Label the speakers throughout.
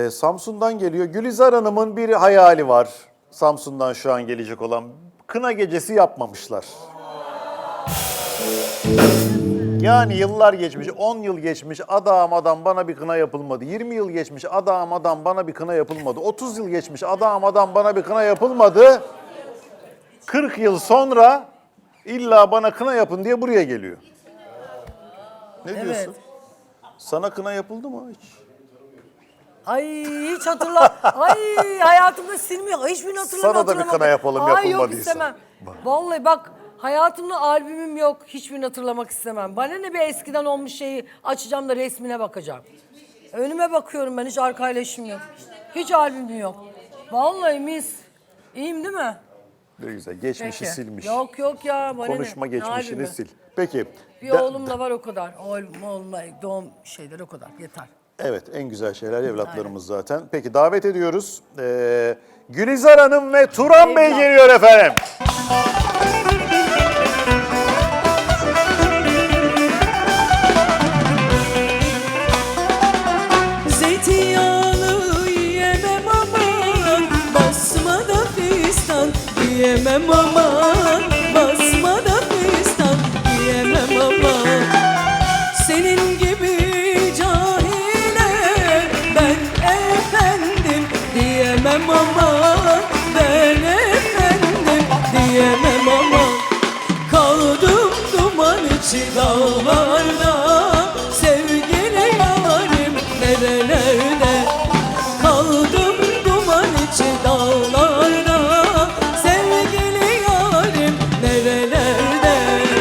Speaker 1: Samsun'dan geliyor. Gülizar Hanım'ın bir hayali var. Samsun'dan şu an gelecek olan. Kına gecesi yapmamışlar. Yani yıllar geçmiş, 10 yıl geçmiş, adam bana bir kına yapılmadı. 20 yıl geçmiş, adam bana bir kına yapılmadı. 30 yıl geçmiş, adam bana bir kına yapılmadı. 40 yıl sonra illa bana kına yapın diye buraya geliyor. Ne diyorsun? Sana kına yapıldı mı hiç?
Speaker 2: Ay hiç Ay hayatımda silmiyor. Hiçbirini hatırlamıyorum.
Speaker 1: Sana da bir kına yapalım
Speaker 2: Ay yok
Speaker 1: yapılmadıysa.
Speaker 2: istemem. Vallahi bak hayatımda albümüm yok. Hiçbirini hatırlamak istemem. Bana ne bir eskiden olmuş şeyi açacağım da resmine bakacağım. Önüme bakıyorum ben, hiç arkayla işim yok. Hiç albümüm yok. Vallahi mis. İyiyim değil mi?
Speaker 1: Ne güzel. Geçmişi
Speaker 2: Peki.
Speaker 1: silmiş.
Speaker 2: Yok ya. Bana
Speaker 1: Konuşma
Speaker 2: ne?
Speaker 1: geçmişini
Speaker 2: Ne
Speaker 1: sil. Peki.
Speaker 2: Bir oğlum da var o kadar. Oğlumla doğum şeyleri o kadar. Yeter.
Speaker 1: Evet, en güzel şeyler evlatlarımız zaten. Peki davet ediyoruz. Gülizar Hanım ve Turan Bey geliyor efendim.
Speaker 3: Zeytinyağlı yiyemem aman, basma da fistan yiyemem aman, basma da fistan yiyemem aman. Senin gibi cahile ben efendim diyemem aman, ben efendim diyemem aman. Kaldım duman içi dağlarda, sevgili yarim nerelerde. Kaldım duman içi dağlarda, sevgili yarim nerelerde.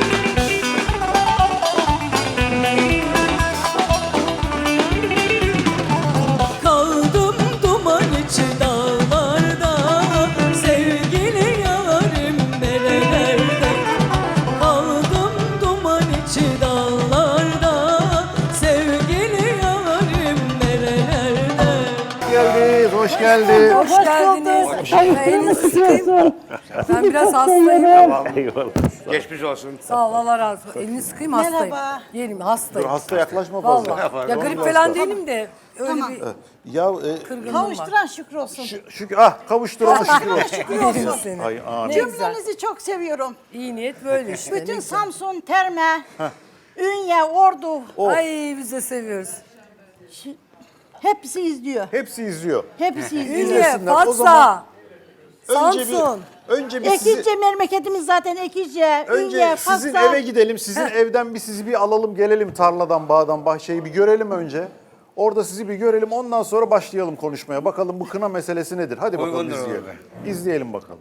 Speaker 3: Kaldım duman içi dağlarda, sevgili yarim nerelerde. Kaldım duman içi dağlarda, sevgili yarim nerelerde.
Speaker 1: Hoş geldiniz.
Speaker 2: Hoş geldiniz. Elinizi sıkayım. Ben biraz hastayım.
Speaker 1: Eyvallah.
Speaker 4: Geçmiş olsun.
Speaker 2: Sağ ol, Allah razı olsun. Elini sıkayım, hastayım.
Speaker 5: Merhaba.
Speaker 2: Yerim, hastayım.
Speaker 1: Dur hasta yaklaşma fazla.
Speaker 2: Vallahi. Ya grip falan değilim de öyle bir
Speaker 1: Ya
Speaker 2: kırgınlığım var.
Speaker 5: Kavuşturan şükür olsun.
Speaker 1: şükür kavuşturana şükür olsun.
Speaker 2: Yerim seni.
Speaker 1: Ay amin.
Speaker 2: Ne güzel.
Speaker 5: Cümlenizi çok seviyorum.
Speaker 2: İyi niyet böyle işte. ne
Speaker 5: Bütün
Speaker 2: güzel.
Speaker 5: Samsun, Terme, Ünye, Ordu
Speaker 2: Ay biz de seviyoruz.
Speaker 5: hepsi izliyor.
Speaker 1: Hepsi izliyor.
Speaker 5: Hepsi izliyor.
Speaker 2: Ünye,
Speaker 1: İzlesinler. O
Speaker 2: Fatsa,
Speaker 1: zaman
Speaker 2: Samsun.
Speaker 1: Önce bir sizi,
Speaker 5: Ekice memleketimiz zaten Ekice,
Speaker 1: önce
Speaker 5: Ünye,
Speaker 1: sizin
Speaker 5: Fatsa.
Speaker 1: eve gidelim. Sizin evden sizi bir alalım gelelim, tarladan, bağdan, bahçeyi bir görelim önce. Orada sizi bir görelim, ondan sonra başlayalım konuşmaya. Bakalım bu kına meselesi nedir? Hadi bakalım
Speaker 4: Uygundur
Speaker 1: izleyelim. İzleyelim bakalım.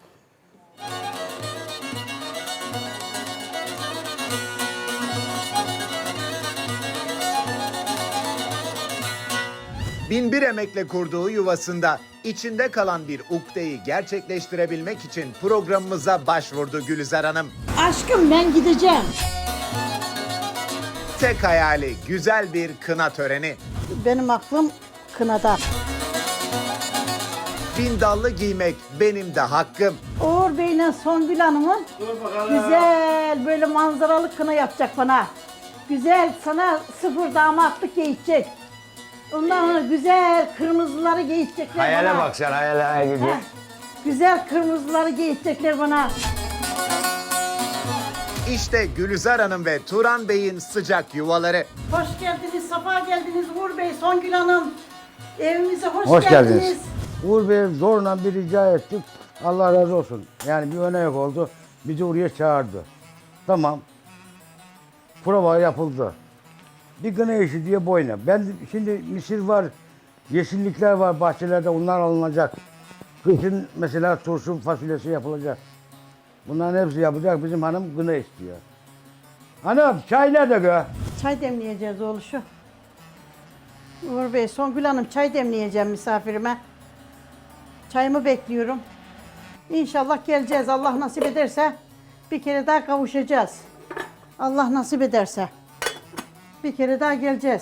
Speaker 6: Binbir emekle kurduğu yuvasında içinde kalan bir ukdeyi gerçekleştirebilmek için programımıza başvurdu Gülizar Hanım.
Speaker 5: Aşkım ben gideceğim.
Speaker 6: Tek hayali güzel bir kına töreni.
Speaker 5: Benim aklım kınada.
Speaker 6: Bindallı giymek benim de hakkım.
Speaker 5: Uğur Bey'le Songül Hanım'ın güzel böyle manzaralı kına yapacak bana. Güzel sana sıfır damatlık giyecek. Ondan sonra güzel kırmızıları giyecekler
Speaker 4: Hayale
Speaker 5: bana.
Speaker 4: bak sen hayale gibi.
Speaker 5: Heh, güzel kırmızıları giyecekler bana.
Speaker 6: İşte Gülizar Hanım ve Turan Bey'in sıcak yuvaları.
Speaker 5: Hoş geldiniz, safa geldiniz Uğur Bey, Songül Hanım. Evimize
Speaker 7: Hoş geldiniz. Uğur Bey'e zorla bir rica ettik. Allah razı olsun. Yani bir öne yok oldu. Bizi oraya çağırdı. Tamam. Prova yapıldı. Bir kına işi diye boyuna. Ben şimdi misir var, yeşillikler var bahçelerde, onlar alınacak. Kışın mesela turşu fasulyesi yapılacak. Bunların hepsi yapacak. Bizim hanım kına istiyor. Hanım çay nerede gö?
Speaker 5: Çay demleyeceğiz oğluşu. Uğur Bey, Songül Hanım çay demleyeceğim misafirime. Çayımı bekliyorum. İnşallah geleceğiz. Allah nasip ederse bir kere daha kavuşacağız. Allah nasip ederse bir kere daha geleceğiz.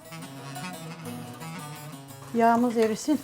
Speaker 5: Yağımız erisin.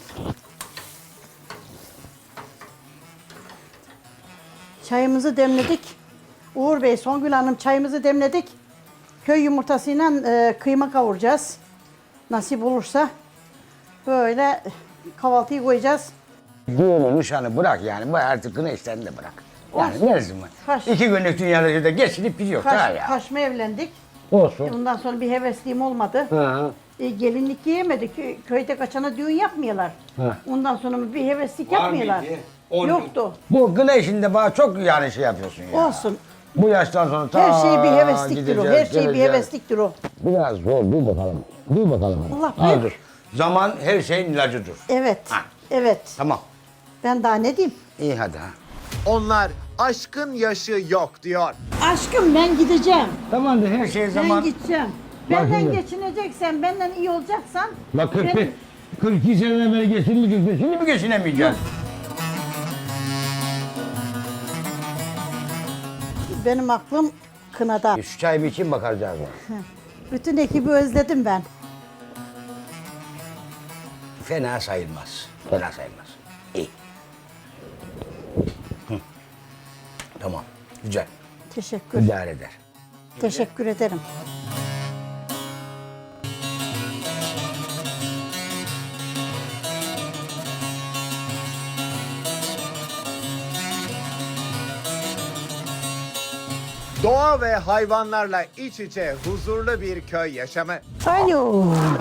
Speaker 5: Çayımızı demledik. Uğur Bey, Songül Hanım çayımızı demledik. Köy yumurtasıyla kıyma kavuracağız. Nasip olursa. Böyle kahvaltıyı koyacağız.
Speaker 7: Düğünü, nişanı bırak yani. Bu artık kına işlerini de bırak. Yani ne zaman?
Speaker 5: Kaş.
Speaker 7: 2 günlük dünyada da geçinip gidiyor. Ha ya.
Speaker 5: Kaşma evlendik.
Speaker 7: Olsun.
Speaker 5: Ondan sonra bir hevesliğim olmadı.
Speaker 7: Ha.
Speaker 5: Gelinlik giyemedik. Köyde kaçana düğün yapmıyorlar.
Speaker 7: Ha.
Speaker 5: Ondan sonra bir heveslik
Speaker 7: Var
Speaker 5: yapmıyorlar.
Speaker 7: mıydı? On-
Speaker 5: Yoktu.
Speaker 7: Bu kına işinde bana çok yani şey yapıyorsun ya.
Speaker 5: Olsun.
Speaker 7: Bu yaştan sonra ta
Speaker 5: Her şey bir hevesliktir o. Her
Speaker 7: gideceğiz,
Speaker 5: şey bir
Speaker 7: geleceğiz.
Speaker 5: hevesliktir o.
Speaker 7: Biraz zor, dur bakalım. Dur bakalım.
Speaker 5: Allah
Speaker 7: Ha,
Speaker 5: bilir.
Speaker 7: dur. Zaman her şeyin ilacıdır.
Speaker 5: Evet.
Speaker 7: Ha.
Speaker 5: Evet.
Speaker 7: Tamam.
Speaker 5: Ben daha ne diyeyim?
Speaker 7: İyi hadi ha.
Speaker 6: Onlar aşkın yaşı yok diyor.
Speaker 5: Aşkım ben gideceğim.
Speaker 7: Tamamdır her şey zaman.
Speaker 5: Ben gideceğim.
Speaker 7: Bak
Speaker 5: Benden
Speaker 7: şimdi.
Speaker 5: geçineceksen, benden iyi olacaksan...
Speaker 7: Bak
Speaker 5: ben-
Speaker 7: 42 seneden beri geçinmeyeceksin. Şimdi mi geçinemeyeceksin?
Speaker 5: Benim aklım kınada.
Speaker 7: Şu çayımı için bakacağız.
Speaker 5: Bütün ekibi özledim ben.
Speaker 7: Fena sayılmaz. Fena sayılmaz. İyi. Hı. Tamam. Güzel.
Speaker 5: Teşekkür.
Speaker 7: İdare eder.
Speaker 5: Teşekkür ederim.
Speaker 6: Doğa ve hayvanlarla iç içe huzurlu bir köy yaşamı.
Speaker 5: Alo.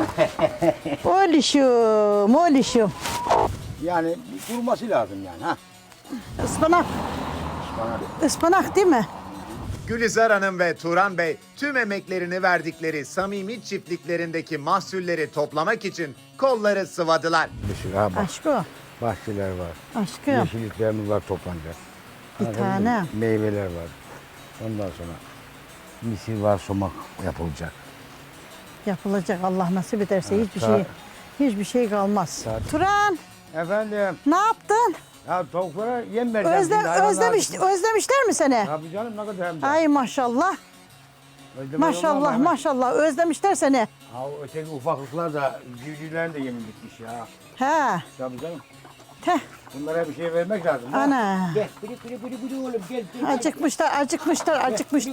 Speaker 5: Oğluşum, oğluşum.
Speaker 7: Yani durması lazım yani ha.
Speaker 5: Ispanak. Ispanak değil mi?
Speaker 6: Gülizar Hanım ve Turan Bey tüm emeklerini verdikleri samimi çiftliklerindeki mahsulleri toplamak için kolları sıvadılar.
Speaker 7: Bir sürü ha bak.
Speaker 5: Aşkım.
Speaker 7: Bahçeler var.
Speaker 5: Aşkım.
Speaker 7: Yeşilliklerimiz var toplanacak.
Speaker 5: Bir
Speaker 7: Anladın mı?
Speaker 5: tane.
Speaker 7: Meyveler var. Ondan sonra misir var, somak yapılacak.
Speaker 5: Yapılacak Allah nasip ederse hiçbir şey kalmaz. Turan,
Speaker 7: Efendim,
Speaker 5: ne yaptın?
Speaker 7: ya tavuklara yem vereceğim. şimdi, hayvanlar gitsin.
Speaker 5: Özlemişler mi seni?
Speaker 7: Tabii canım ne kadar hem de.
Speaker 5: Ay maşallah.
Speaker 7: Özlemez
Speaker 5: Maşallah
Speaker 7: olmam ben.
Speaker 5: maşallah özlemişler seni.
Speaker 7: Ha, o öteki ufaklıklar da civcivlerin de yemi bitmiş ya.
Speaker 5: He.
Speaker 7: Tabii canım.
Speaker 5: Teh.
Speaker 7: Bunlara bir şey vermek lazım. ha.
Speaker 5: Ana.
Speaker 7: Gel, bili oğlum gel.
Speaker 5: Acıkmışlar.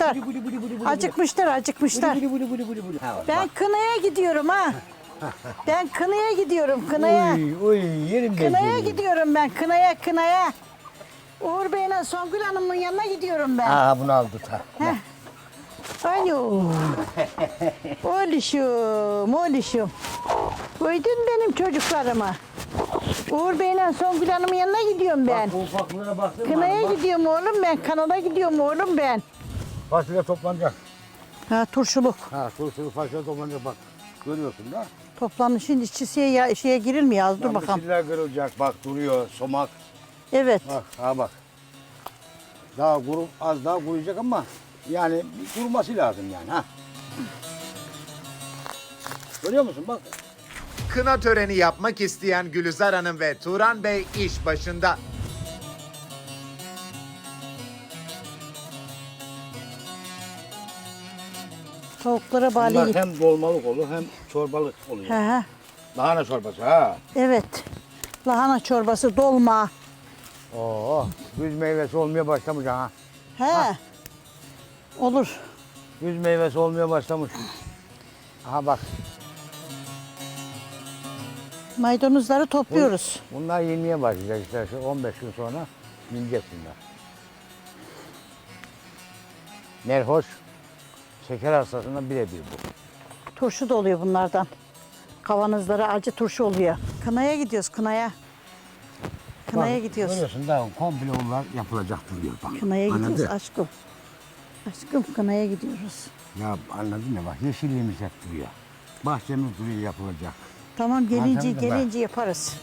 Speaker 7: Ha,
Speaker 5: Ben kınaya gidiyorum ha. Ben kınaya gidiyorum kınaya.
Speaker 7: Uy yerim ben
Speaker 5: Kınaya
Speaker 7: seni.
Speaker 5: gidiyorum ben kınaya. Uğur Bey'le Songül Hanım'ın yanına gidiyorum ben.
Speaker 7: Ha bunu aldı ta.
Speaker 5: Heh. Alo. Oğluşum. Koydun benim çocuklarımı. Uğur Bey'le Songül Hanım'ın yanına gidiyorum ben.
Speaker 7: Bu ufaklığa baktın mı?
Speaker 5: Kınaya
Speaker 7: Bak,
Speaker 5: gidiyorum oğlum ben. Kanada gidiyorum oğlum ben.
Speaker 7: fasulye toplanacak.
Speaker 5: Ha turşuluk.
Speaker 7: Ha sulu fasulye toplanacak bak. Görüyorsun da.
Speaker 5: Toplanışın işçisiye şeye girilmiyor az dur bakalım.
Speaker 7: Misirler kırılacak bak duruyor somak.
Speaker 5: Evet.
Speaker 7: Bak ha bak. Daha az daha kuruyacak ama yani bir kuruması lazım yani ha. Görüyor musun bak.
Speaker 6: Kına töreni yapmak isteyen Gülizar Hanım ve Turan Bey iş başında.
Speaker 5: Tavuklara
Speaker 7: Bunlar
Speaker 5: bağlı.
Speaker 7: hem dolmalık olur hem çorbalık oluyor.
Speaker 5: He.
Speaker 7: Lahana çorbası ha.
Speaker 5: Evet. Lahana çorbası, dolma.
Speaker 7: Oo, güz meyvesi olmaya başlamış ha.
Speaker 5: He. Olur.
Speaker 7: Güz meyvesi olmaya başlamış. Aha bak.
Speaker 5: Maydanozları topluyoruz.
Speaker 7: Bunlar yenmeye başlayacak işte şu 15 gün sonra yenecek bunlar. Nerhoş şeker hastasına birebir bu.
Speaker 5: Turşu da oluyor bunlardan. Kavanozları acı turşu oluyor. Kınaya gidiyoruz kınaya. Kınaya
Speaker 7: Bak,
Speaker 5: gidiyoruz.
Speaker 7: Görüyorsun da komple onlar yapılacak duruyor bak.
Speaker 5: Kınaya
Speaker 7: Anladın?
Speaker 5: gidiyoruz aşkım. Aşkım kınaya gidiyoruz.
Speaker 7: Ya anladın mı bak yeşilliğimiz hep duruyor. Bahçemiz duruyor yapılacak.
Speaker 5: Tamam
Speaker 7: Anlatabildim ben.
Speaker 5: gelince yaparız.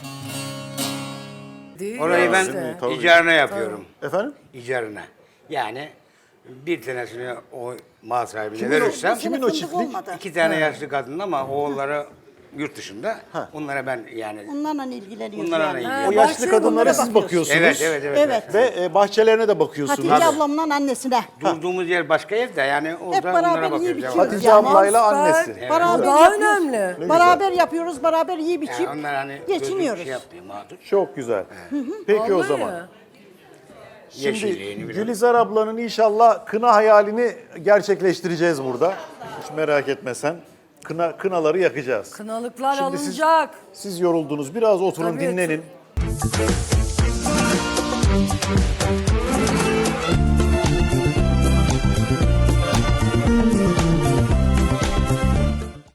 Speaker 4: Orayı ben
Speaker 1: Tabii.
Speaker 4: icarına yapıyorum.
Speaker 1: Efendim?
Speaker 4: İcarına. Yani bir tanesini o mal sahibine
Speaker 1: Kimin o-
Speaker 4: verirsem
Speaker 1: kimin o çiftlik?
Speaker 5: Olmadı.
Speaker 4: 2 tane yaşlı kadın ama oğulları yurt dışında. Onlara ben yani
Speaker 5: Onlarla ilgileniyoruz
Speaker 4: Bunlarla
Speaker 5: yani.
Speaker 4: ilgileniyoruz.
Speaker 1: O yaşlı kadınlara siz bakıyorsunuz.
Speaker 4: evet.
Speaker 1: Ve bahçelerine de bakıyorsunuz.
Speaker 5: Hatice ablamla annesine.
Speaker 4: Durduğumuz yer başka evde yani orada
Speaker 5: beraber
Speaker 4: onlara
Speaker 5: yiyip
Speaker 4: bakıyoruz.
Speaker 5: içiyoruz.
Speaker 1: Hatice
Speaker 5: Yani
Speaker 1: ablayla
Speaker 2: süper.
Speaker 1: annesi.
Speaker 5: Beraber
Speaker 2: Daha
Speaker 5: yapıyoruz.
Speaker 2: önemli.
Speaker 5: Beraber yapıyoruz, beraber yiyip
Speaker 4: Yani
Speaker 5: içip
Speaker 4: onlar hani
Speaker 5: geçiniyoruz.
Speaker 4: Şey yapmıyor, mağdur.
Speaker 1: Çok güzel. Peki o
Speaker 2: Vallahi
Speaker 1: zaman.
Speaker 2: ya.
Speaker 4: Yeşilliğini
Speaker 1: Şimdi
Speaker 4: biliyorum.
Speaker 1: Gülizar ablanın inşallah kına hayalini gerçekleştireceğiz burada. Hiç merak etme sen. Kınaları yakacağız.
Speaker 2: Kınalıklar
Speaker 1: Şimdi
Speaker 2: alınacak.
Speaker 1: Siz yoruldunuz. Biraz oturun,
Speaker 2: Tabii,
Speaker 1: dinlenin.